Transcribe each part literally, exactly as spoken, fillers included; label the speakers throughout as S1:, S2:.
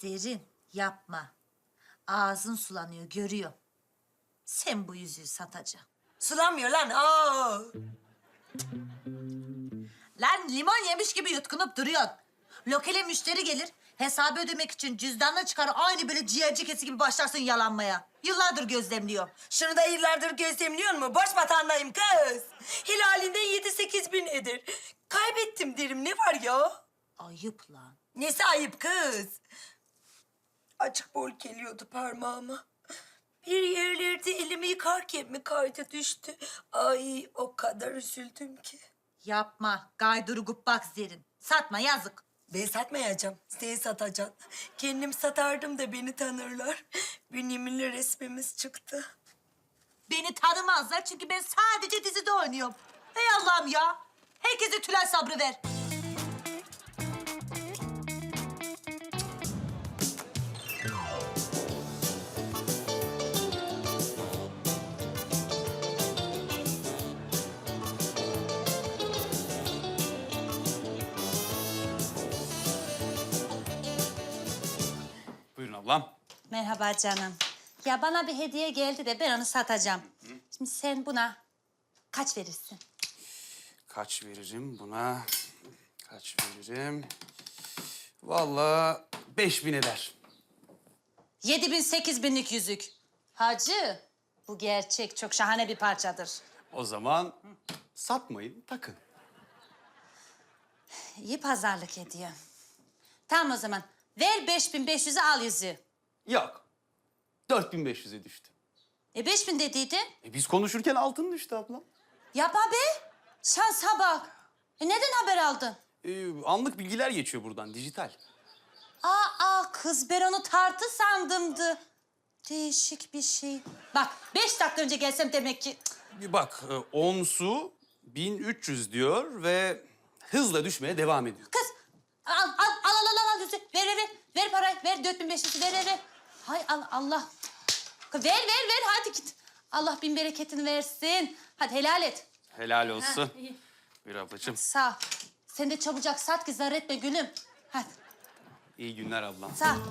S1: Zerrin yapma. Ağzın sulanıyor görüyor. Sen bu yüzüğü satacaksın.
S2: Sulanmıyor lan. Aa.
S1: Lan limon yemiş gibi yutkunup duruyorsun. Lokale müşteri gelir. Hesabı ödemek için cüzdanını çıkar. Aynı böyle ciğerci kesi gibi başlarsın yalanmaya. Yıllardır gözlemliyor.
S2: Şunu da yıllardır gözlemliyor mu? Boş vatandayım kız. Hilalinden yedi sekiz bin eder. Kaybettim derim. Ne var ya?
S1: Ayıp lan.
S2: Nesi ayıp kız? Açık bol geliyordu parmağıma. Bir yerlerde elimi yıkarken mi kaydı düştü? Ay o kadar üzüldüm ki.
S1: Yapma. Gayduru bak Zerrin. Satma yazık.
S2: Ben satmayacağım. Sen satacaksın. Kendim satardım da beni tanırlar. Bünyamin'le resmimiz çıktı.
S1: Beni tanımazlar çünkü ben sadece dizide oynuyorum. Hey Allah'ım ya. Herkese Tülay sabrı ver.
S3: Buyurun ablam.
S1: Merhaba canım. Ya bana bir hediye geldi de ben onu satacağım. Şimdi sen buna kaç verirsin?
S3: Kaç veririm buna? Kaç veririm? Vallahi beş bin eder.
S1: Yedi bin, sekiz binlik yüzük. Hacı, bu gerçek çok şahane bir parçadır.
S3: O zaman satmayın, takın.
S1: İyi pazarlık ediyor. Tamam o zaman. Ver beş bin beş yüzü al yüzüğü.
S3: Yok. Dört bin beş yüze düştü.
S1: E beş bin dediydin.
S3: E biz konuşurken altın düştü ablam.
S1: Yapma be. Şansa bak. E neden haber aldın?
S3: Ee, anlık bilgiler geçiyor buradan, dijital.
S1: Aa kız ben onu tartı sandımdı. Değişik bir şey. Bak beş dakika önce gelsem demek ki...
S3: Bir bak, e, onsu bin üç yüz diyor ve hızla düşmeye devam ediyor.
S1: Kız al al al al al al yüzüğü. Ver ver ver. Ver parayı ver dört bin beş yüzü ver ver ver. Hay Allah Allah. Kız, ver ver ver hadi git. Allah bin bereketini versin. Hadi helal et.
S3: Helal olsun.
S1: Ha, iyi.
S3: Buyur ablacığım.
S1: Sağ ol. Sen de çabucak sat ki zarar etme gülüm. Hadi
S3: İyi günler ablam.
S1: sağ ol.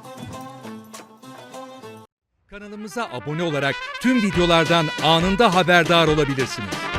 S4: Kanalımıza abone olarak tüm videolardan anında haberdar olabilirsiniz.